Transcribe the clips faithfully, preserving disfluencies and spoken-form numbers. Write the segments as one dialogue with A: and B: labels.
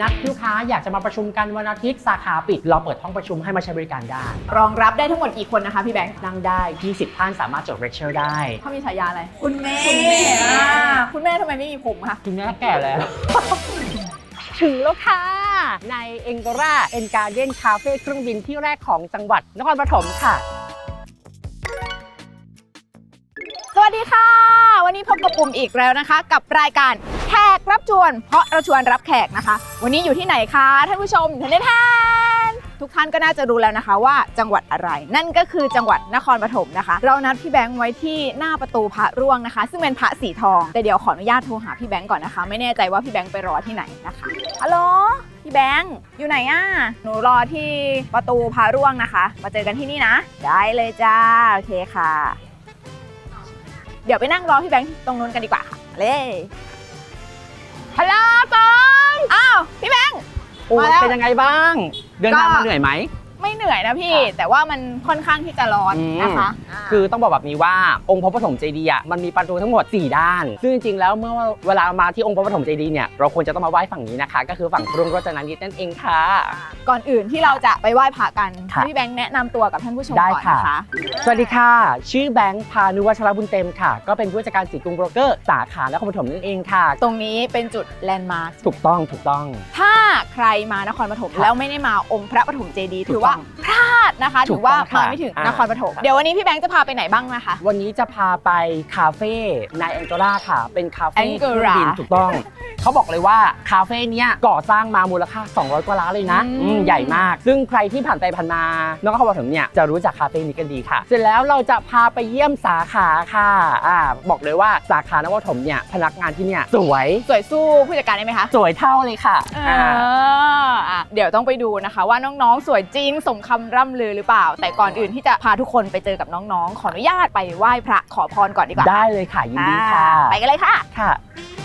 A: นัดลูกค้าอยากจะมาประชุมกันวันอาทิตย์สาขาปิดเราเปิดห้องประชุมให้มาใช้บริการได้
B: รองรับได้ทั้งหมดกี่คนนะคะพี่แบงค์
A: นั่งได้ยี่สิบท่านสามารถจดเลคเชอร์ได้
B: เขามีฉายาอะไร
C: คุณแม่
B: คุณแม่คุณแม่ทำไมไม่มีผมคะ
A: คุณแม่แก่แล้ว ถึงแล้วค่ะในเอ็งกอร่าเอ็นการ์เด้นคาเฟ่เครื่องบินที่แรกของจังหวัดนครปฐมค่ะ
B: สวัสดีค่ะวันนี้พบกับปุ่มอีกแล้วนะคะกับรายการแขกรับชวนเพราะเราชวนรับแขกนะคะวันนี้อยู่ที่ไหนคะท่านผู้ชมท่านท่านทุกท่านก็น่าจะรู้แล้วนะคะว่าจังหวัดอะไรนั่นก็คือจังหวัดนครปฐมนะคะเรานัดพี่แบงค์ไว้ที่หน้าประตูพระร่วงนะคะซึ่งเป็นพระสีทองแต่เดี๋ยวขออนุญาตโทรหาพี่แบงค์ก่อนนะคะไม่แน่ใจว่าพี่แบงค์ไปรอที่ไหนนะคะฮัลโหลพี่แบงค์อยู่ไหนอ่ะหนูรอที่ประตูพระร่วงนะคะมาเจอกันที่นี่นะได้เลยจ้าโอเคค่ะเดี๋ยวไปนั่งรอพี่แบงค์ตรงนู้นกันดีกว่าค่ะเลยฮัลโหลปองอ้าวพี่แบงค์
A: โอ้เป็นยังไงบ้างเดินทางมาเหนื่อยไหม
B: ไม่เหนื่อยนะพี่แต่ว่ามันค่อนข้างที่จะร้อนนะคะ
A: คือต้องบอกแบบนี้ว่าองค์พระปฐมเจดีย์อ่ะมันมีประตูทั้งหมดสี่ด้านซึ่งจริงๆแล้วเมื่อเวลามาที่องค์พระปฐมเจดีย์เนี่ยเราควรจะต้องมาไหว้ฝั่งนี้นะคะก็คือฝั่งกรุงรัตนนิตนั่นเองค่ะ
B: ก่อนอื่นที่เราจะไปไหว้พระกันพี่แบงค์แนะนำตัวกับท่านผู้ชมก่อนนะคะ
A: สวัสดีค่ะชื่อแบงค์พานุวัชรบุญเต็มค่ะก็เป็นผู้จัดการสีกรุงโบรกเกอร์สาขานครปฐมนั่นเองค่ะ
B: ตรงนี้เป็นจุดแลนด์มาร์ค
A: ถูกต้องถูกต้อง
B: ถ้าใครมานครปฐมแล้วไม่ได้มาองค์พระปฐมเจดีย์ถือว่าพลาดนะคะถือว่ามาไม่ถึงนครปฐมเดี๋ยววันนี้พี่แบงค์จะพาไปไหนบ้างนะคะ
A: วันนี้จะพาไปคาเฟ่ในแองกอร่าค่ะเป็นคาเฟ่เครื่องบินถูกต้องเขาบอกเลยว่าคาเฟ่นี้ก่อสร้างมามูลค่าสองร้อยกว่าล้านเลยนะใหญ่มากซึ่งใครที่ผ่านไปผ่านมานครปฐมเนี่ยจะรู้จักคาเฟ่นี้กันดีค่ะเสร็จแล้วเราจะพาไปเยี่ยมสาขาค่ะอ่าบอกเลยว่าสาขานครปฐมเนี่ยพนักงานที่เนี่ยสวย
B: สวยสู้ผู้จัดการได้ไหมคะ
A: สวยเท่าเลยค่ะ
B: อ่าเดี๋ยวต้องไปดูนะคะว่าน้องๆสวยจริงสมคำร่ำลือหรือเปล่าแต่ก่อนอื่นที่จะพาทุกคนไปเจอกับน้องๆขออนุญาตไปไหว้พระขอพรก่อนดีกว่า
A: ได้เลยค่ะยินดีค่ะ
B: ไปกันเลยค่ะ
A: ค่ะ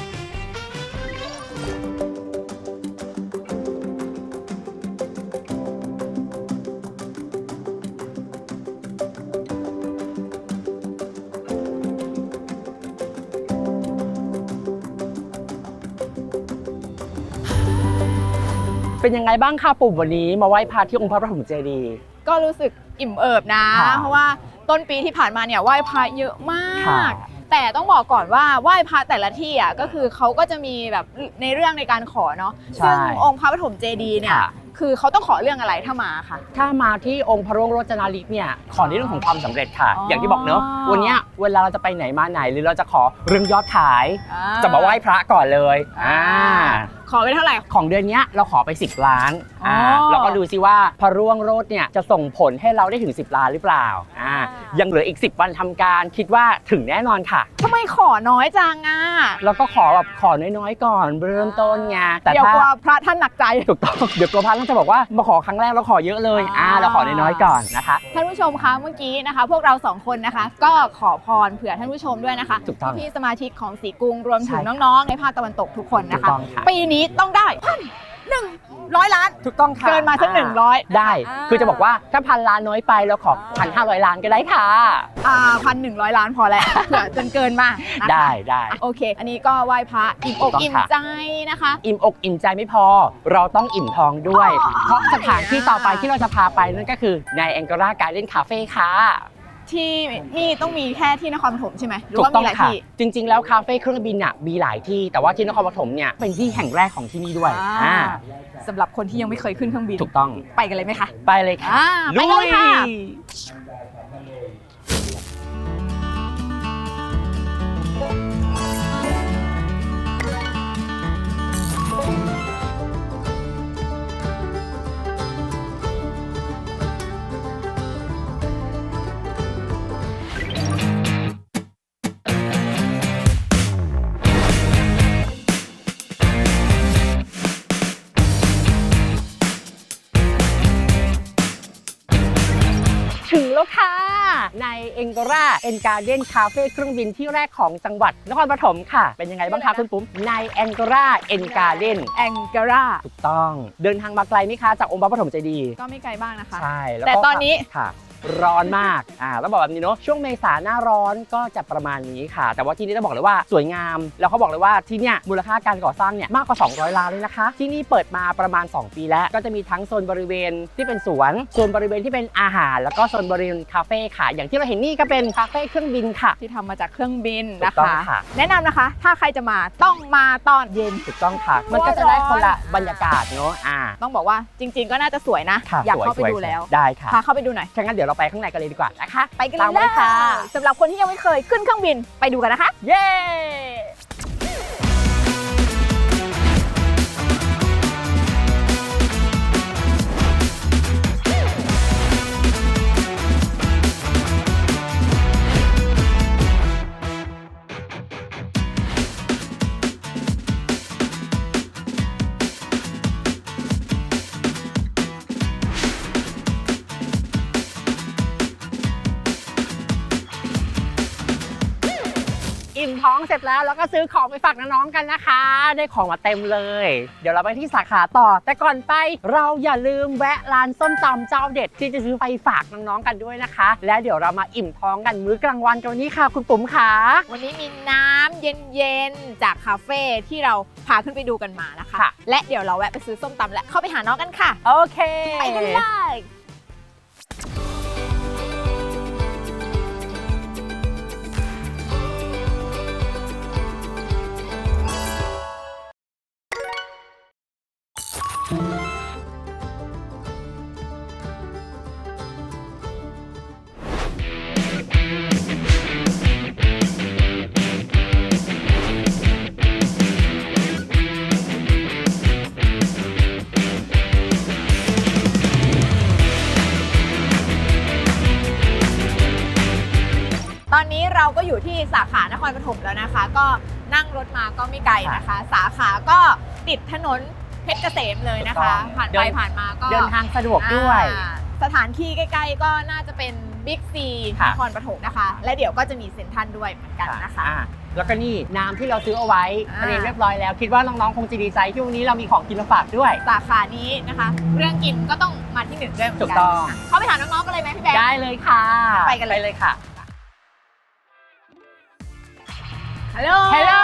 A: เป็นยังไงบ้างคะปุ่มวันนี้มาไหว้พระที่องค์พระปฐมเจดีย์
B: ก็รู้สึกอิ่มเอิบนะเพราะว่าต้นปีที่ผ่านมาเนี่ยไหว้พระเยอะมากแต่ต้องบอกก่อนว่าไหว้พระแต่ละที่อ่ะก็คือเขาก็จะมีแบบในเรื่องในการขอเนาะซึ่งองค์พระปฐมเจดีย์เนี่ยคือเขาต้องขอเรื่องอะไรถ้ามาค่ะ
A: ถ้ามาที่องค์พระร่วงโรจนาฤทธิ์เนี่ยขอในเรื่องของความสำเร็จค่ะ อ, อย่างที่บอกเนอะวันนี้เวลาเราจะไปไหนมาไหนหรือเราจะขอเรื่องยอดขายจะมาไหว้พระก่อนเลยอ่า
B: ขอไปเท่าไหร่
A: ของเดือนนี้เราขอไปสิบล้านอ่าเราก็ดูซิว่าพระร่วงโรจน์เนี่ยจะส่งผลให้เราได้ถึงสิบล้านหรือเปล่าอ่ายังเหลืออีกสิบวันทำการคิดว่าถึงแน่นอนค่ะ
B: ทำไมขอน้อยจังอ่ะ
A: เราก็ขอแบบขอน้อยๆก่อนเริ่มต้นไง
B: แต่เดี๋ยวกลัวพระท่านหนักใจ
A: ถูกต้องเดี๋ยวกลัวพระท่านจะบอกว่ามาขอครั้งแรกเราขอเยอะเลยอ่าเราขอน้อยๆก่อนนะคะ
B: ท่านผู้ชมคะเมื่อกี้นะคะพวกเราสองคนนะคะก็ขอพรเผื่อท่านผู้ชมด้วยนะคะพี่สมาชิกของสีกรุงรวมถึงน้องๆในภาคตะวันตกทุกคนนะคะปีนี้ต้องได้พันหนึ่งร้อยล้าน
A: ถูกต้องค่ะ
B: เกินมาสักหนึ่งร้อย
A: ได้คือจะบอกว่าถ้าพันล้านน้อยไปเราขอพันห้าร้อยล้านก็ได้ค่ะ
B: อ่าพันหนึ่งร้อยล้านพอแล้วเผื่อจนเกินมาก
A: ได้ได้
B: โอเคอันนี้ก็ไหว้พระอิ่มอกอิ่มใจนะคะ
A: อิ่มอกอิ่มใจไม่พอเราต้องอิ่มท้องด้วยเพราะสถานที่ต่อไปที่เราจะพาไปนั่นก็คือในแองกอร่าการ์เด้นคาเฟ่ค่ะ
B: ที่นี่ต้องมีแค่ที่นครปฐมใช่ไหมหรือว่ามีหลายที่
A: จริงๆแล้วคาเฟ่เครื่องบินอ่ะมีหลายที่แต่ว่าที่นครปฐมเนี่ยเป็นที่แห่งแรกของที่นี่ด้วยอ่า
B: สำหรับคนที่ยังไม่เคยขึ้นเครื่องบิน
A: ถูกต้อง
B: ไปกันเลยไหมคะ
A: ไปเลยค่ะ
B: ไปกันเลยค่ะ
A: ถึงแล้วค่ะในเอ็งกอร่าเอ็นการ์เด้นคาเฟ่เครื่องบินที่แรกของจังหวัดนครปฐมค่ะเป็นยังไงบ้างคะคุณปุ๊มในเอ็งกอร่าเอ็นการ์เด้น
B: เอ็งกอร่า
A: ถูกต้องเดินทางมาไกลไหมคะจากองค์พระปฐมเจดีย์
B: ก็ไม่ไกลบ้างนะคะ
A: ใช่
B: แต่ตอนนี้
A: ค่ะร้อนมากอ่าต้องบอกแบบนี้เนาะช่วงเมษาหน้าร้อนก็จะประมาณนี้ค่ะแต่ว่าที่นี่ต้องบอกเลยว่าสวยงามแล้วเขาบอกเลยว่าที่เนี่ยมูลค่าการก่อสร้างเนี่ยมากกว่าสองร้อยล้านเลยนะคะที่นี่เปิดมาประมาณสองปีแล้วก็จะมีทั้งโซนบริเวณที่เป็นสวนโซนบริเวณที่เป็นอาหารแล้วก็โซนบริเวณคาเฟ่ค่ะอย่างที่เราเห็นนี่ก็เป็นคาเฟ่เครื่องบินค่ะ
B: ที่ทำมาจากเครื่องบินนะ
A: ถูกต้อง
B: คะ
A: ค่ะ
B: แนะนำนะคะ ถ้าใครจะมาต้องมาตอนเย็น
A: ถูกต้องค่ะมันก็จะได้คนละบรรยากาศเนาะอ่า
B: ต้องบอกว่าจริง ๆ ก็น่าจะสวยนะ
A: ค่ะ
B: อยาก
A: สวย
B: เข้าไป
A: สวย
B: ดูแล้ว
A: ได้ค่ะ
B: พาเข้าไปดูหน่อย
A: งั้นเดี๋ยวเราไปข้างในกันเลยดีกว่านะคะ
B: ไปกัน
A: ตาม
B: เล
A: มาย ค่ะ
B: สำหรับคนที่ยังไม่เคยขึ้นเครื่องบินไปดูกันนะคะ
A: เย้อิ่มท้องเสร็จแล้วแล้วก็ซื้อของไปฝากน้องๆกันนะคะได้ของมาเต็มเลยเดี๋ยวเราไปที่สาขาต่อแต่ก่อนไปเราอย่าลืมแวะร้านส้มตำเจ้าเด็ดที่จะซื้อไปฝากน้องๆกันด้วยนะคะและเดี๋ยวเรามาอิ่มท้องกันมื้อกลางวันกันวันนี้ค่ะคุณปุ๋มค่ะ
B: วันนี้มีน้ำเย็นๆจากคาเฟ่ที่เราพาขึ้นไปดูกันมานะคะ
A: ค่ะ
B: และเดี๋ยวเราแวะไปซื้อส้มตำและเข้าไปหาน้องกันค่ะ
A: โอเค
B: ไปกันเลยตอนนี้เราก็อยู่ที่สาขานครปฐมแล้วนะคะ ก็นั่งรถมาก็ไม่ไกลนะคะ สาขาก็ติดถนนเพชรเกษมเลยนะคะ ผ่านไปผ่านมาก็
A: เดินทางสะดวกด้วย
B: อ่าสถานที่ใกล้ๆก็น่าจะเป็นบิ๊กซีน
A: ค่ะ
B: ครปฐมนะคะ และเดี๋ยวก็จะมีเซ็นทรัลด้วยเหมือนกันนะคะ
A: อ่าแล้วก็นี่น้ำที่เราซื้อเอาไว้
B: อ่า
A: เตรียมเรียบร้อยแล้วคิดว่าน้องๆคงจะดีใจที่วันนี้เรามีของกินมาฝากด้วย
B: สาขานี้นะคะ เรื่องกินก็ต้องมาที่หนึ่งด้วยเหมือน
A: ถู
B: กั
A: กต้อง
B: ค่ะเข้าไปถามน้องๆกันเลยไหมพี่แบงค์
A: ได้เลยค่ะ
B: ไปกันเลย
A: เลยค่ะ
B: ฮัลโหล
A: ฮัลโหล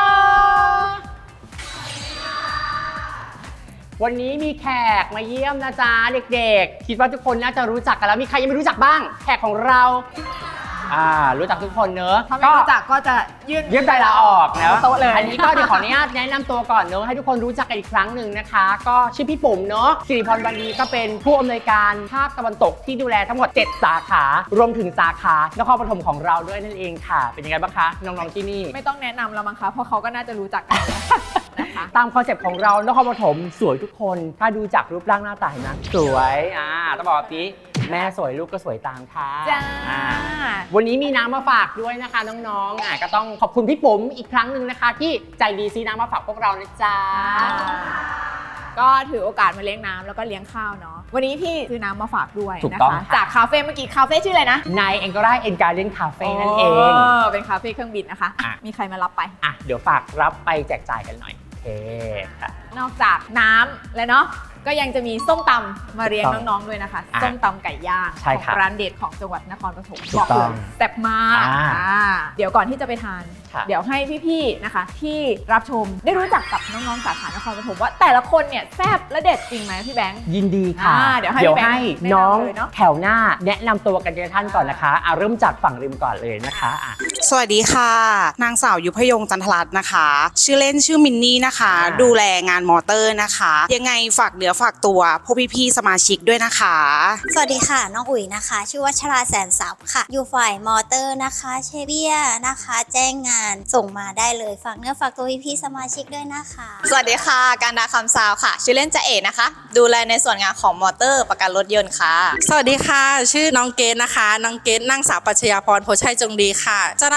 A: วันนี้มีแขกมาเยี่ยมนะจ๊ะเด็กๆคิดว่าทุกคนน่าจะรู้จักกันแล้วมีใครยังไม่รู้จักบ้างแขกของเราอ่ารู้จักทุกคนเนอะ
B: ถ้าไม่รู้จักก็จะยื่น
A: ยื่นใบลาออกนะ
B: โต๊ะเลย
A: อันนี้ก็เดี๋ยวขออนุญาตแนะนำตัวก่อนเนอะให้ทุกคนรู้จักกันอีกครั้งหนึ่งนะคะ ก็ชื่อพี่ปุ๋มเนอะสิริพรวันดีก็เป็นผู้อำนวยการภาคตะวันตกที่ดูแลทั้งหมดเจ็ดสาขารวมถึงสาขานครปฐมของเราด้วยนั่นเองค่ะ เป็นยังไงบ้างคะน้องๆที่นี่
B: ไม่ต้องแนะนำแล้วมั้งคะเพราะเขาก็น่าจะรู้จักกันนะคะ
A: ตามคอนเซ็ปต์ของเรานครปฐมสวยทุกคนถ้าดูจากรูปร่างหน้าตาเห็นไหมสวยอ่าต้องบอกแบบนี้แม่สวยลูกก็สวยตามค่ะ
B: จ้า
A: อ่าวันนี้มีน้ำมาฝากด้วยนะคะน้องๆอ่ะก็ต้องขอบคุณพี่ปุ๋มอีกครั้งหนึ่งนะคะ ที่ใจดีซื้อน้ำมาฝากพวกเรานะจ๊ะ
B: ก็ถือโอกาสมาเลี้ยงน้ำแล้วก็เลี้ยงข้าวเนาะวันนี้พี่ซื้อน้ำมาฝากด้วย
A: ถูก
B: นะ
A: ต้อง
B: คะ
A: ค่ะ
B: จากคาเฟ่เมื่อกี้คาเฟ่ชื่ออะไรนะ
A: ในเอ็นก็ได้เอ็นการ์เด้นคาเฟ่นั่นเอง
B: โเป็นคาเฟ่เครื่องบินนะคะอ่ะ
A: อ่ะ
B: มีใครมารับไป
A: อ่ะเดี๋ยวฝากรับไปแจกจ่ายกันหน่อยโอเคค่ะ
B: นอกจากน้ำแล้วเนาะก็ยังจะมีส้มตำมาเลี้ยง
A: ถูกต้อง
B: น้องๆด้วยนะคะ
A: อ่ะ
B: ส้มตำไก่ย่าง
A: ใช่
B: ของ
A: ครับ
B: ร้านเด็ดของจังหวัดนครปฐม
A: ถู
B: บ
A: ก
B: อก
A: ต้
B: เล
A: อง
B: ยแซ่บมาก
A: อ่า
B: อ่าเดี๋ยวก่อนที่จะไปทาน
A: ค่ะ
B: เดี๋ยวให้พี่ๆนะคะ ที่รับชมได้รู้จักกับน้องๆสาขานครปฐมว่าแต่ละคนเนี่ยแซ่บและเด็ดจริงไหมพี่แบงค์
A: ยินดีค่ะ
B: อ่าเดี๋ยวให้
A: เดี๋ยว
B: พี่แบงค์
A: ให้
B: แนะนำ
A: น้อง
B: เลยเนอะ
A: แถวหน้าแนะนำตัวกันทีละท่านก่อนนะคะอ่ะเริ่มจากฝั่งริมก่อนเลยนะคะอ่ะ
C: สวัสดีค่ะ นางสาวยุพยงจันทรัตน์นะคะ ชื่อเล่นชื่อมินนี่นะคะ
A: อ่า
C: ดูแลงานมอเตอร์นะคะ ยังไงฝากเนื้อฝากตัวพวกพี่ๆสมาชิกด้วยนะคะ
D: สวัสดีค่ะ น้องอุ๋ยนะคะ ชื่อวัชราแสนทรัพย์ค่ะ อยู่ฝ่ายมอเตอร์นะคะเชเบียนะคะ แจ้งงานส่งมาได้เลยฝากเนื้อฝากตัวพี่ๆสมาชิกด้วยนะคะ
E: สวัสดีค่ะการดาคำซาวค่ะ ชื่อเล่นจะเอ๋นะคะ ดูแลในส่วนงานของมอเตอร์ประกันรถยนต์ค่ะ
F: สวัสดีค่ะ ชื่อน้องเกดนะคะ น้องเกดนางสาวปัชญาพรโพชัยจงดีค่ะ เจ้าหน้า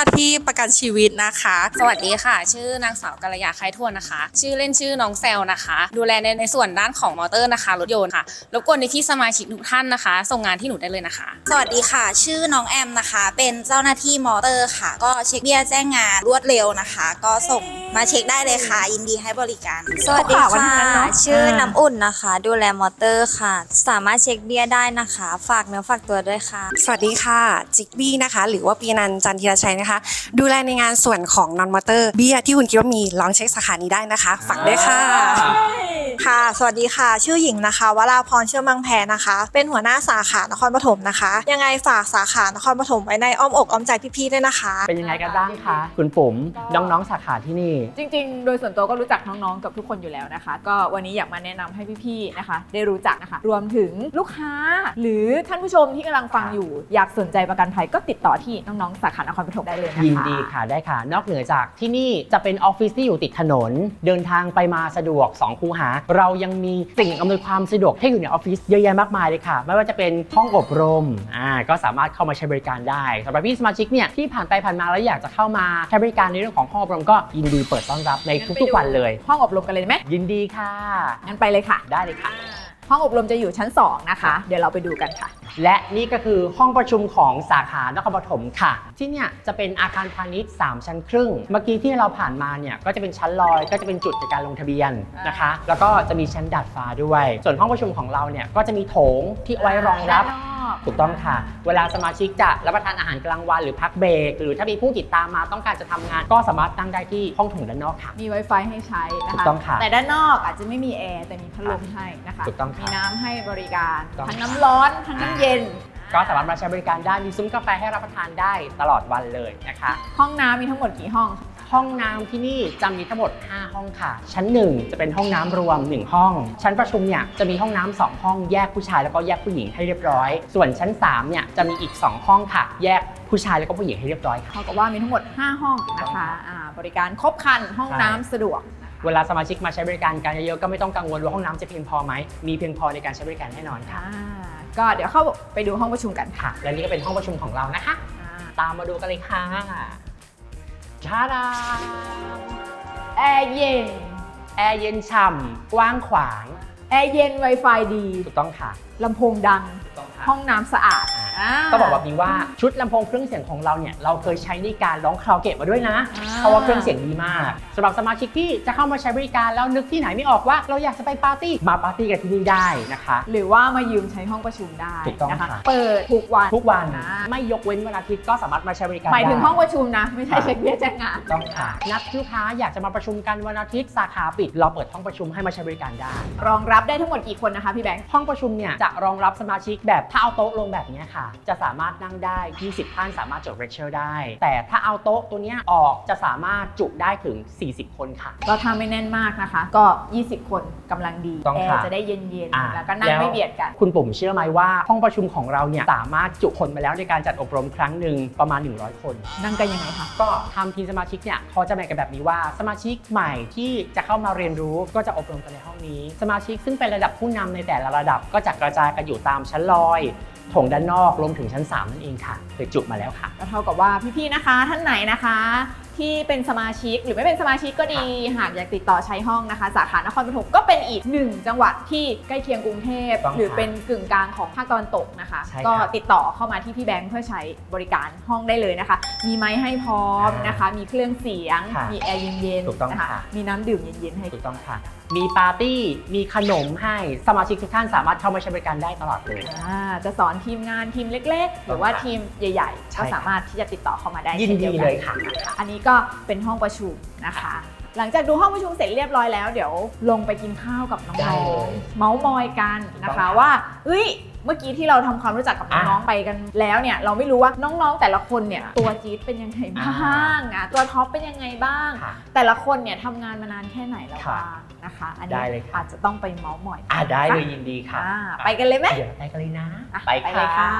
C: ที่ประกันชีวิตนะคะ
F: สวัสดีค่ะ ชื่อนางสาวกัลยาไคทวนนะคะ ชื่อเล่นชื่อน้องแซลนะคะ ดูแลในในส่วนด้านของมอเตอร์นะคะรถยนต์ค่ะรบกวนในที่สมาชิกทุกท่านนะคะ ส่งงานที่หนูได้เลยนะคะ
D: สวัสดีค่ะ ชื่อน้องแอมนะคะ เป็นเจ้าหน้าที่มอเตอร์ค่ะ ก็เช็คเบี้ยแจ้งงานรวดเร็วนะคะ ก็ส่งมาเช็คได้เลยค่ะ ยินดีให้บริการ
G: สวัสดี
B: ข่าววัน
G: ค่ะ
B: นั้นเนอะ
G: ชื่อ
B: อ่า
G: น้ำอุ่นนะคะ ดูแลมอเตอร์ค่ะ สามารถเช็คเบี้ยได้นะคะ ฝากเนื้อฝากตัวด้วยค่ะ
H: สวัสดีค่ะจิกบี้นะคะหรือว่าปีนันท์จันทีรชัยนะคะ ดูแลในงานส่วนของนอนมอเตอร์เบี้ยที่คุณคิดว่ามีลองเช็คสาขานี้ได้นะคะฝากด้วยค่ะ
I: ค่ะ สวัสดีค่ะ ชื่อหญิงนะคะวราพรเชื่อมั่งแพรนะคะ เป็นหัวหน้าสาขานครปฐมนะคะ ยังไงฝากสาขานครปฐมไว้ในอ้อมอกอ้อมใจพี่ๆด้วยนะคะ
A: เป็นยังไงกันบ้างคะคุณปุ๋มน้องๆสาขาที่นี่
B: จริงๆ โดยส่วนตัวก็รู้จักน้องๆ กับทุกคนอยู่แล้วนะคะ ก็วันนี้อยากมาแนะนำให้พี่ๆ นะคะ ได้รู้จักนะคะ รวมถึงลูกค้า หรือท่านผู้ชมที่กำลังฟังอยู่ อยากสนใจประกันภัยก็ติดต่อที่น้องๆ สาขานครปฐมได้เลยนะคะ
A: ยินดีค่ะได้ค่ะ นอกเหนือจากที่นี่จะเป็นออฟฟิศที่อยู่ติดถนน เดินทางไปมาสะดวกสองคูหา เรายังมีสิ่งอำนวยความสะดวกให้อยู่ในออฟฟิศเยอะแยะมากมายเลยค่ะ ไม่ว่าจะเป็นห้องอบรมอ่าก็สามารถเข้ามาใช้บริการได้สำหรับพี่สมาชิกเนี่ยที่ผ่านไปผ่านมาแล้วอยากจะเข้ามาใช้บริการในเรื่องของห้องอบรมก็ยินดีเปิดต้อนรับในทุกๆวันเลย
B: ห้องอบรมกันเลยไหม
A: ยินดีค่ะ
B: งั้นไปเลยค่ะ
A: ได้เลยค่ะ
B: ห้องอบรมจะอยู่ชั้นสองนะคะ เดี๋ยวเราไปดูกันค่ะ
A: และนี่ก็คือห้องประชุมของสาขานครปฐมค่ะ ที่เนี่ยจะเป็นอาคารพาณิชย์สามชั้นครึ่ง เมื่อกี้ที่เราผ่านมาเนี่ยก็จะเป็นชั้นลอยก็จะเป็นจุดในการลงทะเบียนนะคะ แล้วก็จะมีชั้นดาดฟ้าด้วย ส่วนห้องประชุมของเราเนี่ยก็จะมีโถงที่เอาไว้รองรับ
B: ด้านนอก
A: ถูกต้องค่ะ เวลาสมาชิกจะรับประทานอาหารกลางวันหรือพักเบรกหรือถ้ามีผู้ติดตามมาต้องการจะทำงาน ก็สามารถตั้งได้ที่ห้องโถงด้านนอกค่ะ
B: มี Wi-Fi ให้ใช้นะคะ
A: ถูกต้องค่ะ
B: แต่ด้านนอกอาจจะไม่มีแอร์แต่มีพัดลมให้นะคะ
A: ถูกต้องค่ะ
B: มีน้ำให้บริการ
A: ถูกต้อง
B: ทั้งน้ำร้อนทั้งน้ำเย็น
A: ก็สามารถมาใช้บริการได้มีซุ้มกาแฟให้รับประทานได้ตลอดวันเลยนะคะ
B: ห้องน้ำมีทั้งหมดกี่ห้อง
A: ห้องน้ำที่นี่จะมีทั้งหมดห้าห้องค่ะ ชั้นหนึ่งจะเป็นห้องน้ำรวมหนึ่งห้อง ชั้นประชุมเนี่ยจะมีห้องน้ำสองห้องแยกผู้ชายแล้วก็แยกผู้หญิงให้เรียบร้อย ส่วนชั้นสามเนี่ยจะมีอีกสองห้องค่ะ แยกผู้ชายแล้วก็ผู้หญิงให้เรียบร้อยค่ะ
B: เท่ากับว่ามีทั้งหมดห้าห้องนะคะอ่าบริการครบครันห้องน้ำสะดวก
A: เวลาสมาชิกมาใช้บริการกันเยอะๆก็ไม่ต้องกังวลว่าห้องน้ำจะเพียงพอไหมมีเพียงพอในการใช้บริการแน่นอนค่ะ
B: อ่าก็เดี๋ยวเข้าไปดูห้องประชุมกันค่ะ
A: ค่ะ และนี่ก็เป็นห้องประชุมของเรานะคะ
B: อ่า
A: ตามมาดูกันเลยค่ะชาดา
B: แอร์เย็น
A: แอร์เย็นฉ่ำกว้างขวาง
B: แอร์เย็น Wi-Fi ดี
A: ถูกต้องค่ะ
B: ลำโพงดัง
A: ถูกต้องค่ะ
B: ห้องน้ำสะอาดา
A: ก็บอกแบบนี้ว่าชุดลำโพงเครื่องเสียงของเราเนี่ยเราเคยใช้ในการร้องคาราโอเกะมาด้วยนะ
B: อ่า
A: เพราะว่าเครื่องเสียงดีมากสำหรับสมาชิกที่จะเข้ามาใช้บริการแล้วนึกที่ไหนไม่ออกว่าเราอยากจะไปปาร์ตี้มาปาร์ตี้กันที่นี่ได้นะคะ
B: หรือว่ามายืมใช้ห้องประชุมได้
A: ถูกต้อง
B: นะคะ
A: ค่ะ
B: เปิดทุกวัน
A: ทุกวัน
B: อ่า
A: ไม่ยกเว้นวันอาทิตย์ก็สามารถมาใช้บริการ
B: หมายถึง
A: ได้
B: ห้องประชุมนะ ไม่ใช่เช็คเบี้ยแจ้งงาน
A: ต้องค่ะนัดลูกค้าอยากจะมาประชุมกันวันอาทิตย์สาขาปิดเราเปิดห้องประชุมให้มาใช้บริการได้
B: รองรับได้ทั้งหมดกี่คนนะคะพี่แบงค์
A: ห้องประชุมเนี่ยจะรองรับสมาชิกแบบถ้าเอาโต๊ะลงแบบนี้ค่ะ จะสามารถนั่งได้ยี่สิบท่านสามารถจดเลคเชอร์ได้ แต่ถ้าเอาโต๊ะตัวเนี้ยออกจะสามารถจุได้ถึงสี่สิบคนค่ะ
B: ก็ถ้าไม่แน่นมากนะคะ ก็ ยี่สิบ คนกำลังดี
A: ต้อง
B: แอ
A: ค่ะ
B: ร์จะได้เย็น
A: อ่า
B: ๆ แล้วก็นั่ง
A: แล้ว
B: ไม่เบียดกัน
A: คุณปุ่มเชื่อไหมว่าห้องประชุมของเราเนี่ยสามารถจุคนมาแล้วในการจัดอบรมครั้งหนึ่งประมาณหนึ่งร้อยคน
B: นั่งกันยังไงคะ
A: ก็ทำทีมสมาชิกเนี่ยเขาจะแบ่งกันแบบนี้ว่าสมาชิกใหม่ที่จะเข้ามาเรียนรู้ก็จะอบรมกันในห้องนี้ สมาชิกซึ่งเป็นระดับผู้นำในแต่ละระดับก็จะกระจายกันอยู่ตามชั้นลอยโถงด้านนอกรวมถึงชั้นสามนั่นเองค่ะเคยจุมาแล้วค่ะ
B: ก็เท่ากับว่าพี่ๆ นะคะ ท่านไหนนะคะ ที่เป็นสมาชิกหรือไม่เป็นสมาชิกก็ดี หากอยากติดต่อใช้ห้องนะคะ สาขานครปฐมก็เป็นอีกหนึ่งจังหวัดที่ใกล้เคียงกรุงเทพ
A: ต้อง
B: หรือเป็นกึ่งกลางของภาคตะวันตกนะคะ
A: ใช่ครับ
B: ก็ติดต่อเข้ามาที่พี่แบงค์เพื่อใช้บริการห้องได้เลยนะคะ มีไมค์ให้พร้อมนะคะ มีเครื่องเสียง
A: ค่ะ
B: มีแอร์เย็น
A: ถูกต้อง
B: ๆนะคะ
A: ค่ะ
B: มีน้ำดื่มเย็นๆให้
A: ถูกต้องค่ะ มีปาร์ตี้มีขนมให้สมาชิกทุกท่านสามารถเข้ามาใช้บริการได้ตลอดเลย
B: อ่าจะสอนทีมงานทีมเล็กๆ หรือว่าทีมใหญ่ๆ
A: ใช่
B: ก็
A: ค่ะ
B: สามารถที่จะติดต่อเข้ามาได้
A: ยิน
B: ช่
A: ดี
B: วกั
A: เลยค่ะ
B: อันนี้ก็เป็นห้องประชุมนะคะ หลังจากดูห้องประชุมเสร็จเรียบร้อยแล้วเดี๋ยวลงไปกินข้าวกับน้
A: ได้
B: อง
A: เลย
B: ๆเมาส์มอยกันนะ
A: ถูกต้
B: คะ
A: องค่ะ
B: ว่าเอ้ยเมื่อกี้ที่เราทำความรู้จักกับน้อง
A: อ่ะ
B: ๆไปกันแล้วเนี่ยเราไม่รู้ว่าน้องๆแต่ละคนเนี่ยตัวจี๊ดเป็นยังไงบ้างอ่ะตัวท็อปเป็นยังไงบ้าง
A: ค่ะ
B: แต่ละคนเนี่ยทำงานมานานแค่ไหนแล้ว
A: ค่ะ
B: บ้างนะคะ อัน
A: ได้
B: นี้
A: เลยค่ะ
B: อาจจะต้องไปเมาส์มอยกัน
A: อ่าได้เลย
B: นะคะ
A: ยินดีค่ะ
B: อ่าไปกันเลยไหม
A: เดี๋ยวไปกันเลยนะ
B: อ่ะ
A: ไป
B: ไปเลยค่ะ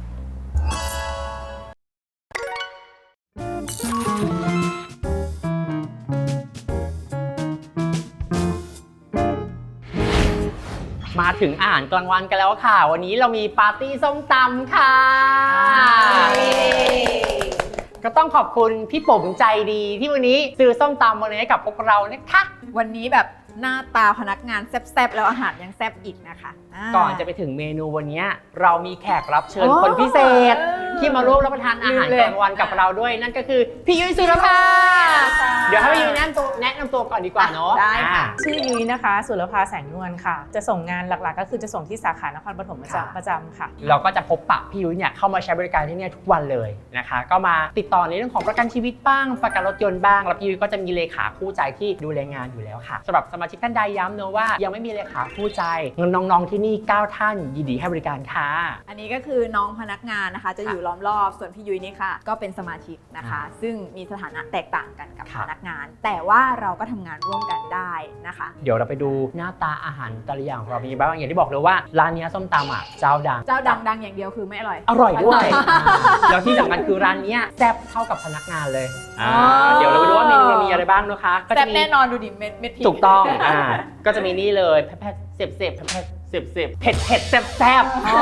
A: มาถึงอาหารกลางวันกันแล้วค่ะ วันนี้เรามีปาร์ตี้ส้มตำค่ะก็ต้องขอบคุณพี่ป๋มใจดีที่วันนี้ซื้อส้มตำมาเลยให้กับพวกเรานะคะ
B: วันนี้แบบหน้าตาพนักงานแซ่บๆแล้วอาหารยังแซ่บอีกนะคะา
A: ก่อนจะไปถึงเมนูวันนี้เรามีแขกรับเชิญ
B: โอ้
A: คนพิเศษ
B: เออ
A: ที่มาร่วมรับประทานอาหาร
B: ลืมเลย
A: กลางวันกับเราด้วย นั่นก็คือพี่ยุ้ยสุรภาเดี๋ยวให้พี่ยุ้ยแนะนำตัวแนะนำตัวก่อนดีกว่าเนาะ
B: ได้ค่ะ
A: อ่า
J: ชื่อยุ้ยนะคะสุรภาแสงนวลค่ะ จะส่งงานหลักๆ ก็คือจะส่งที่สาขานครปฐมประจำประจำค่ะ
A: เราก็จะพบปะพี่ยุ้ยเนี่ยเข้ามาใช้บริการที่เนี่ยทุกวันเลยนะคะ ก็มาติดต่อในเรื่องของประกันชีวิตบ้างประกันรถยนต์บ้างแล้วพี่ยุ้ยก็จะมีเลขาคู่ใจที่ดูแลงานอยู่แล้วค่ะสำหรับสมาชิกท่านใดย้ำเนอะว่ายังไม่มีเลขาคู่ใจน้องๆที่นี่เก้าท่านยินดีให้บริการค่ะ
B: อันนี้ก็คือน้องพนักงานนะคะ จะอยู่ล้อมรอบส่วนพี่ยุ้ยนี่ค่ะ ก็เป็นสมาชิกนะคะ ซึ่งมีสถานะแตกต่างกันกับ
A: ครับ
B: พนักงาน แต่ว่าเราก็ทำงานร่วมกันได้นะคะ
A: เดี๋ยวเราไปดูหน้าตาอาหารแต่ละอย่างของเรามีบ้างอย่างที่บอกเลยว่าร้านเนี้ยส้มตำอ่ะเจ้าดัง
B: เจ้าดังๆอย่างเดียวคือไม่อร่อย
A: อร่อยด้วยแล้วที่สำคัญคือร้านเนี้ยแซ่บเท่ากับพนักงานเลยอ่า
B: อ๋อ
A: เดี๋ยวเราไปดูว่าเมนูเรามีอะไรบ้างนะคะก็
B: แซ่
A: จะ
B: บ
A: มี
B: แน่นอนดูดิเม็ดเม็ดพริก
A: ถูกต้องอ่าก็จะมีนี่เลยแพทเสบเสบแพทเสบเสบเผ็ดเผ็ดแซ่บแซ่บ
B: อ๋อ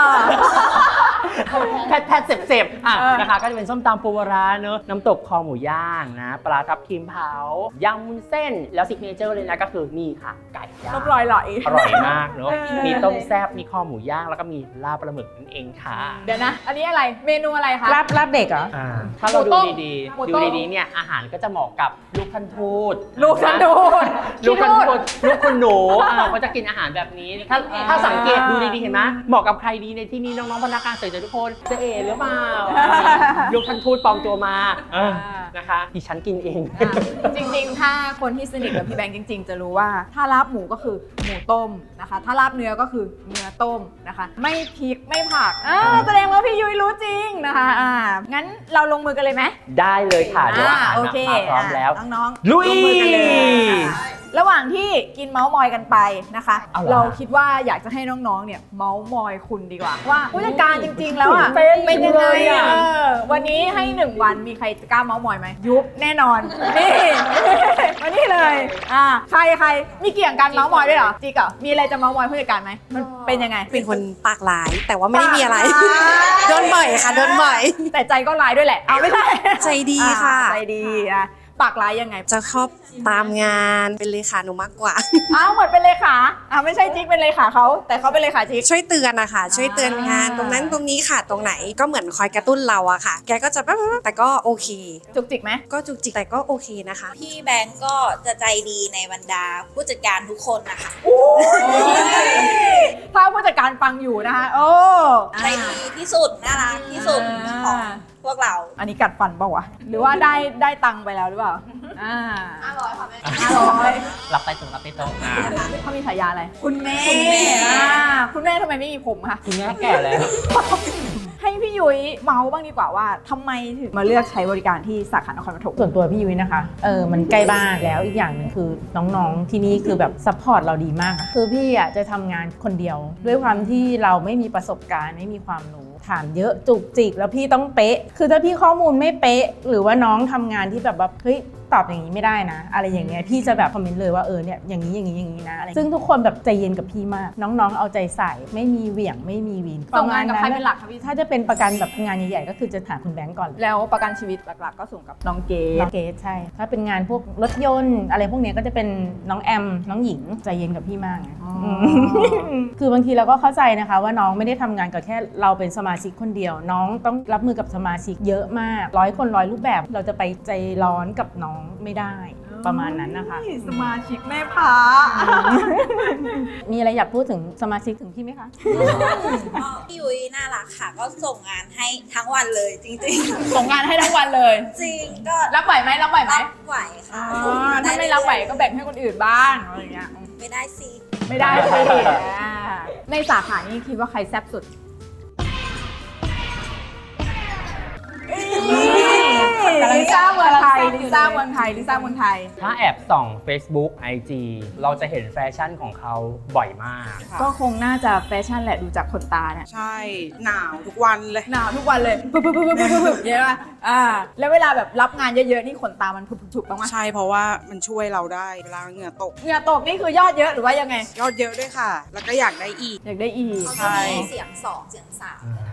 A: แพทแพทเสบเสบอ่ะ
B: เออ
A: นะคะก็จะเป็นส้มตำปูปลาร้าเนอะน้ำตกคอหมูย่างนะปลาทับทิมเผายำมุ้นเส้นแล้วซิกเนเจอร์เลยนะก็คือนี่ค่ะไก่ย่าง
B: น้ำลอยไหล
A: อร่อยมากเนอะ
B: เออ
A: มีต้มแซ่บมีคอหมูย่างแล้วก็มีลาบปลาหมึกนั่นเองค่ะ
B: เดี๋ยวนะ อันนี้อะไรเมนูอะไรคะ
J: ลาบลาบเด็กเหรอ
A: อ่าถ้าเรา
B: หมู
A: ดู
B: ต้ม
A: ดี
B: หมู
A: ๆ
B: ต้
A: ดู
B: ม
A: ดีๆเนี่ยอาหารก็จะเหมาะกับลูกท่านทูต
B: ลูกท่านทูต
A: ลูกท่าน
B: ขี้
A: ทูตลูกคุณหนูอ่าก็จะกินอาหารแบบนี้ ถ้าถ้าสังเกตดูดีๆเห็นไหมเหมาะกับใครดีในที่นี้น้องๆพนักงานเสิร์ฟทุกคนเจะเอ๋หรือเปล่าลูกท่านทูตปลอมตัวมาเออนะคะดิฉันกินเอง
B: อ่ะจริงๆ ถ้าคนที่สนิทกับพี่แบงค์จริง ๆ จะรู้ว่าถ้าลาบหมูก็คือหมูต้มนะคะ ถ้าลาบเนื้อก็คือเนื้อต้มนะคะ ไม่พริกไม่ผักอ่าแสดงว่าพี่ยุ้ยรู้จริงนะคะอ่างั้นเราลงมือกันเลยไหม
A: ได้เลยค่ะเดี๋ยวอาหาร
B: โอ
A: น่ะ
B: เค
A: มาพร้อมแล้ว
B: อ่ะน้อง
A: ลุย
B: ลงมือกันเลยค่ะระหว่างที่กินเมาส์มอยกันไปนะคะ
A: เอาเหรอ
B: เราคิดว่าอยากจะให้น้องๆ เนี่ยเมาส์มอยคุณดีกว่า ว่าผู้จัดการจริง ๆ แล้วอ่ะ
A: ตื่นเต้น
B: เป็นยังไง
A: เลยอะ
B: เออวันนี้ให้หนึ่งวันมีใครจะกล้าเมาส์มอยไหมยุบแน่นอนนี่มานี่เลยอ่าใครใครมีเกี่ยงกันเมาส์มอยด้วยเหรอจิกเหรอมีอะไรจะเมาส์มอยผู้จัดการไหมมันเป็นยังไง
H: เป็นคนปากร้ายแต่ว่าไม่ได้มีอะไร
B: ปากร้าย
H: โดนบ่อยค่ะโดนบ่อย
B: แต่ใจก็ร้ายด้วยแหละเอาไม่ใช่
H: ใจดีค่ะ
B: อ่าใจดีอ่ะปากร้ายยังไง
H: จะชอบตามงานเป็นเลขาหนูมากกว่า
B: อ้าวเหมือนเป็นเลขาอ่าไม่ใช่จิ๊กเป็นเลขาเขาแต่เขาเป็นเลขาจิ๊ก
H: ช่วยเตือนนะคะช่วยเตือนงานตรงนั้นตรงนี้ค่ะตรงไหนก็เหมือนคอยกระตุ้นเราอะค่ะ แกก็จะแบบแต่ก็โอเค
B: จุกจิกไหม
H: ก็จุกจิกแต่ก็โอเคนะคะ
E: พี่แบงก์ก็จะใจดีในบรรดาผู้จัดการทุกคนนะคะ
B: ถ้าผู้จัดการฟังอยู่นะคะโอ้
E: ใจดีที่สุดน่ารักที่สุดของพวกเรา
B: อันนี้กัดฟันเปล่าวะหรือว่าได้ได้ตังค์ไปแล้วหรือเปล่าอ่าห้าร้อยค่ะแม่ห้าร้อย
A: รับไปตรงรับไปตรงอ่า
B: เขามีฉายาอะไรคุณแม่
E: คุณแม่
B: อ่าคุณแม่ทำไมไม่มีผมคะ
A: คุณแม่แก่แล้ว
B: ให้พี่ยุ้ยเมาส์บ้างดีกว่าว่าทำไมถึงมาเลือกใช้บริการที่สาขานครปฐม
J: ส่วนตัวพี่ยุ้ยนะคะ เออ มันใกล้บ้านแล้วอีกอย่างหนึ่งคือน้องๆที่นี่คือแบบซัพพอร์ตเราดีมากอะคือพี่อ่ะจะทำงานคนเดียว ด้วยความที่เราไม่มีประสบการณ์ไม่มีความรู้ถามเยอะจุกจิกแล้วพี่ต้องเป๊ะ คือถ้าพี่ข้อมูลไม่เป๊ะ หรือว่าน้องทำงานที่แบบว่าเฮ้ยตอบอย่างนี้ไม่ได้นะ อะไรอย่างเงี้ยพี่จะแบบคอมเมนต์เลยว่าเออเนี่ยอย่างนี้อย่างนี้อย่างนี้นะอะไรซึ่งทุกคนแบบใจเย็นกับพี่มาก น้องๆเอาใจใส่ไม่มีเหวี่ยงไม่มีวิน
B: ส่งงานกับใครเป็นหลักคะพี่
J: ถ้าจะเป็นประกันแบบงานใหญ่ๆก็คือจะหาคุณแบงก์ก่อนเลย
B: แล้วประกันชีวิตหลักๆ ก็ส่งกับน้องเก
J: น้
B: ด
J: องเกดใช่ ถ้าเป็นงานพวกรถยนต์อะไรพวกเนี้ยก็จะเป็นน้องแอม น้องหญิงใจเย็นกับพี่มากไง
B: อ๋อ
J: มคือบางทีเราก็เข้าใจนะคะว่าน้องไม่ได้ทำงานกับแค่เราเป็นสมาชิกคนเดียว น้องต้องรับมือกับสมาชิกเยอะมากร้อยคนร้อยรูปแบบเราจะไปใจร้อนกับน้องไม่ได้ประมาณนั้นนะคะ
B: สมาชิกแม่พา
J: มีอะไรอยากพูดถึงสมาชิกถึงพี่ไหมคะ
E: พี่ยุ้ยน่ารักค่ะ ก็ส่งงานให้ทั้งวันเลยจริง
B: ส่งงานให้ทั้งวันเลย
E: ๆ จริงก็
B: รับไหวไหมรับไหวไหม
E: รับไหวค่ะ
B: อ๋อถ้าไม่รับไหวก็แบ่งให้คนอื่นบ้างอะไรอย่างเงี้ย
E: ไม่ได้สิ
B: ไม่ได้สิอ่าในสาขานี้คิดว่าใครแซ่บสุดลิซ่าเมืองไทยลิซ่าเมืองไทยลิซ่าเมืองไทย
A: ถ้าแอบส่อง Facebook ไอ จี เราจะเห็นแฟชั่นของเขาบ่อยมาก
B: ก็คงน่าจะแฟชั่นแหละดูจากขนตาเนี่ย
C: ใช่ หนาวทุกวันเลย
B: หนาวทุกวันเลยปึ๊บปึ๊บปึ๊บปึ๊บปึ๊บเยอะป่ะอ่าแล้วเวลาแบบรับงานเยอะๆนี่ขนตามันผุบๆบ้างไหม
C: ใช่เพราะว่ามันช่วยเราได้เวลาเหงื่อตก
B: เหงื่อตกนี่คือยอดเยอะหรือว่ายังไง
C: ยอดเยอะด้วยค่ะ แล้วก็อยากได้อีก
B: อยากได้อีก
E: เขาจะมีเสียงสองเสียงสาม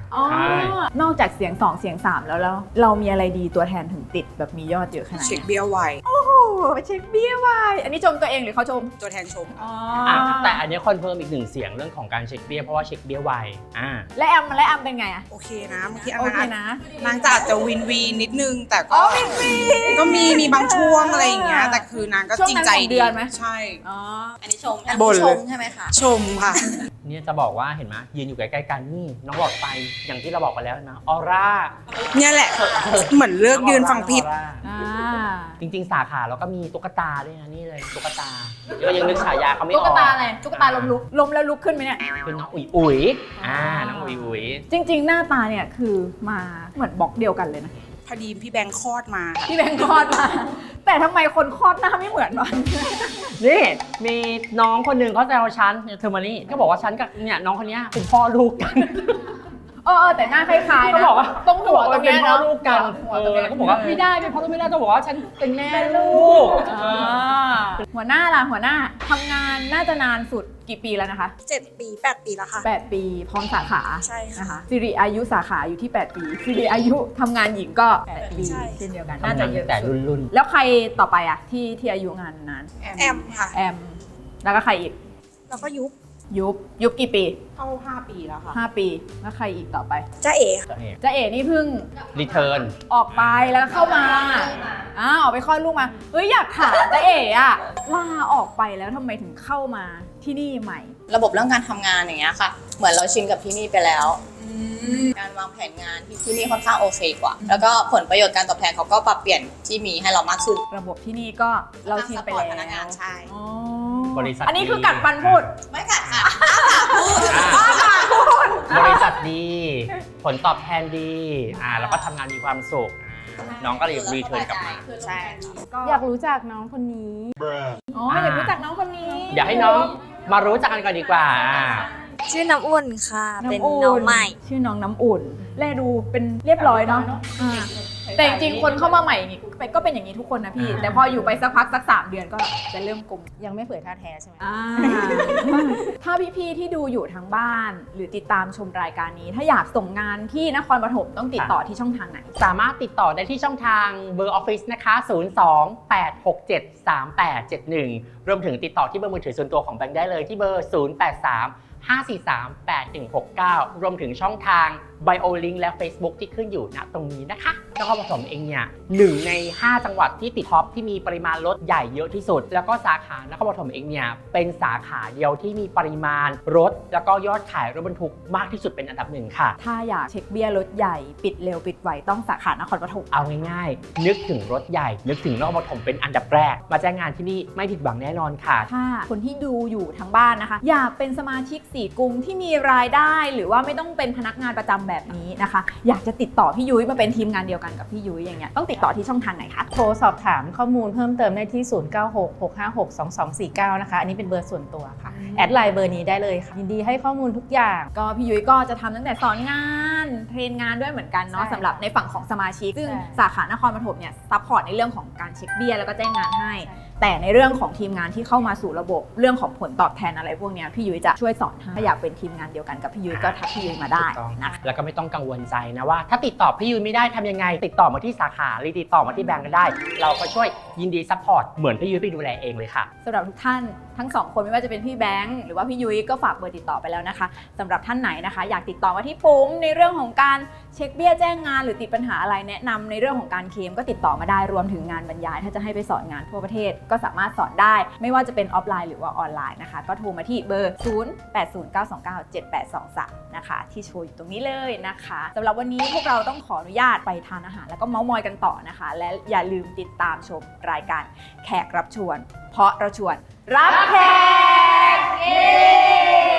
B: อ๋อนอกจากเสียงสองเสียงสามแล้วแล้วเรามีอะไรดีตัวแทนถึงติดแบบมียอดเยอะขนาดนี้
C: เช็คเบี้ยไว
B: โอ้โหเช็คเบี้ยไวอันนี้ชมตัวเองหรือเขาชม
C: ตัวแทนชม
B: อ๋อ
A: อ่ะแต่อันนี้คอนเฟิร์มอีกหนึ่งเสียงเรื่องของการเช็คเบี้ยเพราะว่าเช็คเบี้ยไวอ่า
B: และแอมและแอมเป็นไงอะ
C: โอเคนะเมื่อกี้อัน
B: โอเค
C: นั้น
B: นะ
C: นางจะอาจจะวินวีนิดนึง แต่ก็ก็มีมีบางช่วงอะไรอย่างเงี้ยแต่คือนางก็
B: ช่วง
C: จริง
B: นั้น
C: ใจ
B: สองเดือนไหม
C: ใช่
B: อ๋อ
E: อันนี้ชม
C: บ่นเลย
E: ชมใช่ไหมคะ
C: ชมค่ะ
A: เนี่ยจะบอกว่าเห็นไหมยืนอยู่ใกล้ๆกันนี่น้องหลอดไฟอย่างที่เราบอกไปแล้วนะออร่า
C: เนี่ยแหละเหมือนเลือกยืนฟังผิด
A: ออร่า
B: อ่า
A: จริงๆ สาขาเราก็มีตุ๊กตาด้วยนะนี่เลยตุ๊กตาเดี๋ยวยังนึกฉายาเขาไม่อ
B: ตุ๊
A: อก
B: ตาอะไรตุ๊กตาลมลุกลมแล้วลุกขึ้นไหมเนี่ย
A: เป็นน้องอุ๋ยอุ๋ยอ่าน้องอุ๋ยอุ๋ย
B: จริง ๆ หน้าตาเนี่ยคือมาเหมือนบล็อกเดียวกันเลยนะ
C: พอดีพี่แบงค์คลอดมาค่ะ
B: พี่แบงค์คลอดมา แต่ทำไมคนคลอดหน้าไม่เหมือนวะ
A: นี่มีน้องคนหนึ่งเขาแซวฉันเนี่ยเธอมานี่เขาบอกว่าฉันกับเนี่ยน้องคนเนี้ยเป็นพ่อลูกกัน
B: เออเออแต่หน้าคล้ายๆ
A: เขา
B: นะ
A: บอกว่า
B: ตรงหัวตรง
A: เป็
B: เนี้
A: น
B: ย
A: พ่อ
B: เนาะ
A: ลูกกัน
B: หัว
A: เอ
B: ตรง
A: อ
B: เนี้ย
A: แล้วก็บอกว่าไม่ได้เป็นพ่อลูกไม่ได้ต้องบอกว่าฉันเป็นแม่ลูก
B: อ่าหัวหน้าล่ะหัวหน้าทำงานน่าจะนานสุดกี่ปีแล้วนะคะ
I: เจ็ดปีแปดปีแล้วค่ะ
B: แปดปีพร้อมสาขา
I: ใช่ค่ะ
B: นะคะสิริอายุสาขาอยู่ที่แปดปีสิริอายุทำงานหญิงก็แปดปี
I: ใช่
B: เช่นเดียวกัน
A: น่า
B: น่า
A: จะ
B: จะ
A: เย
B: เย
A: อะ
B: อะ
A: แต่
B: สุด
A: รุ่น
B: แล้วใครต่อไปอะที่ที่อายุงานนาน
I: แอมค่ะ
B: แอมแล้วก็ใครอีก
I: แล้วก็ยุบ
B: ยุบยุบกี่ปี
C: เข้าห้าปีแล้วค่ะ
B: ห้าปีแล้วใครอีกต่อไป
I: จ้าเอ๋
A: ๆจะเห็น
B: จ้าเอ๋นี่เพิ่ง
A: รีเทิร์น
B: ออกไปแล้วก็เข้ามาอ้าวออกไปคลอดลูกมาเฮ้ยอยากถามจ้าเอ๋อะลาออกไปแล้วทำไมถึงเข้ามาที่นี่ใหม่
E: ระบบเรื่องการทำงานอย่างเงี้ยค่ะ เหมือนเราชินกับที่นี่ไปแล้ว การวางแผนงานที่ที่นี่ค่อนข้างโอเคกว่า แล้วก็ผลประโยชน์การตอบแทนเขาก็ปรับเปลี่ยนที่มีให้เรามากขึ้น
B: ระบบที่นี่ก็เราชินไปแล้ว
E: พนักงานใช่
B: อ๋อ
A: บริษัท
B: อันนี้คือ
A: ดี
B: กัดฟันพูด
E: ไม่กัดค่ะ
A: อ่าบริษัทดี ผลตอบแทนดีอ่าแล้วก็ทำงานมีความสุขอ่าน้องก็เลยรีเทิร์นกลับมา
E: ใช่
J: อยากรู้จักน้องคนนี้
B: อ๋ออยากรู้จักน้องคนนี้
A: อยากให้น้องมารู้จักกันก่อนดีกว่าอ่า
G: ชื่อน้ำอุ่นค่ะ เป็น
B: ำอุ่
G: น้องใหม่
B: ชื่อน้องน้ำอุ่น แลดูเป็นเรียบร้อยเนาะอ่าแต่จริงๆคนเข้ามาใหม่นี่ก็เป็นอย่างนี้ทุกคนนะพี่ แต่พออยู่ไปสักพักสักสามเดือนก็จะเริ่มกลม
J: ยังไม่เผยท่าแท้ใช่ไหม
B: อ่า ถ้าพี่ๆที่ดูอยู่ทางบ้าน หรือติดตามชมรายการนี้ ถ้าอยากส่งงานที่นครปฐมต้องติดต่อที่ช่องทางไหน
A: สามารถติดต่อได้ที่ช่องทางเบอร์ออฟฟิศนะคะ ศูนย์ สอง แปด หก เจ็ด สาม แปด เจ็ด หนึ่ง รวมถึงติดต่อที่เบอร์มือถือส่วนตัวของแบงค์ได้เลยที่เบอร์ ศูนย์ แปด สาม ห้า สี่ สาม แปด หนึ่ง หก เก้า รวมถึงช่องทาง Bio Link และ Facebook ที่ขึ้นอยู่ณตรงนี้นะคะนครปฐมเองเนี่ยหนึ่งในห้าจังหวัดที่ติดท็อปที่มีปริมาณรถใหญ่เยอะที่สุด แล้วก็สาขานครปฐมเองเนี่ยเป็นสาขาเดียวที่มีปริมาณรถแล้วก็ยอดขายรถบรรทุกมากที่สุดเป็นอันดับหนึ่งค่ะ
B: ถ้าอยากเช็คเบี้ยรถใหญ่ปิดเร็วปิดไวต้องสาขานครปฐม
A: เอาง่ายๆ นึกถึงรถใหญ่ นึกถึงนครปฐมเป็นอันดับแรก มาแจ้งงานที่นี่ไม่ผิดหวังแน่นอนค่ะ
B: ถ้าคนที่ดูอยู่ทางบ้านนะคะ อยากเป็นสมาชิกสี่กลุ่มที่มีรายได้ หรือว่าไม่ต้องเป็นพนักงานประจำแบบนี้นะคะ อยากจะติดต่อพี่ยุ้ยมาเป็นทีมงานเดียวกันกับพี่ยุ้ยอย่างเงี้ยต้องติดต่อที่ช่องทางไหนคะ
J: โทรสอบถามข้อมูลเพิ่มเติมได้ที่ ศูนย์ เก้า หก หก ห้า หก สอง สอง สี่ เก้า นะคะ อันนี้เป็นเบอร์ส่วนตัวค่ะ แอดไลน์เบอร์นี้ได้เลยค่ะ ยินดีให้ข้อมูลทุกอย่าง
B: ก็พี่ยุ้ยก็จะทำตั้งแต่สอนงานเทรนงานด้วยเหมือนกันเนาะ
J: ใช่
B: สำหรับในฝั่งของสมาชิกซึ่ง
J: ใช่
B: สาขานครปฐมเนี่ยซัพพอร์ตในเรื่องของการเช็คเบี้ยแล้วก็แจ้งงานให้ แต่ในเรื่องของทีมงานที่เข้ามาสู่ระบบเรื่องของผลตอบแทนอะไรพวกเนี้ยพี่ยุ้ยจะช่วยสอนให้ถ้าอยากเป็นทีมงานเดียวกันกับพี่ยุ้ยก็ทักพี่ยุ้ยมาได้
A: ถูกต้อง
B: นะคะ
A: แล้วก็ไม่ต้องกังวลใจนะว่า ถ้าติดต่อพี่ยุ้ยไม่ได้ทำยังไง ติดต่อมาที่สาขาหรือติดต่อมาที่แบงก์ก็ได้ เราก็ช่วยยินดีซัพพอร์ตเหมือนพี่ยุ้ยไปดูแลเองเลยค่ะ
B: สำหรับทุกท่านทั้งสองคนไม่ว่าจะเป็นพี่แบงค์หรือว่าพี่ยุ้ยก็ฝากเบอร์ติดต่อไปแล้วนะคะสำหรับท่านไหนนะคะ อยากติดต่อมาที่ปุ้มในเรื่องของการเช็คเบี้ยแจ้งงานหรือติดปัญหาอะไรแนะนำในเรื่องของการเคลมก็ติดต่อมาได้รวมถึงงานบรรยาย ถ้าจะให้ไปสอนงานทั่วประเทศก็สามารถสอนได้ ไม่ว่าจะเป็นออฟไลน์หรือว่าออนไลน์นะคะก็โทรมาที่เบอร์ ศูนย์ แปด ศูนย์ เก้า สอง เก้า เจ็ด แปด สอง สาม นะคะที่โชว์อยู่ตรงนี้เลยนะคะสำหรับวันนี้พวกเราต้องขออนุญาตไปทานอาหารแล้วก็เม้ามอยกันต่อนะคะ และอย่าลืมติดตามชมรายการแขกรับชวน เพราะเราชวนรับแขก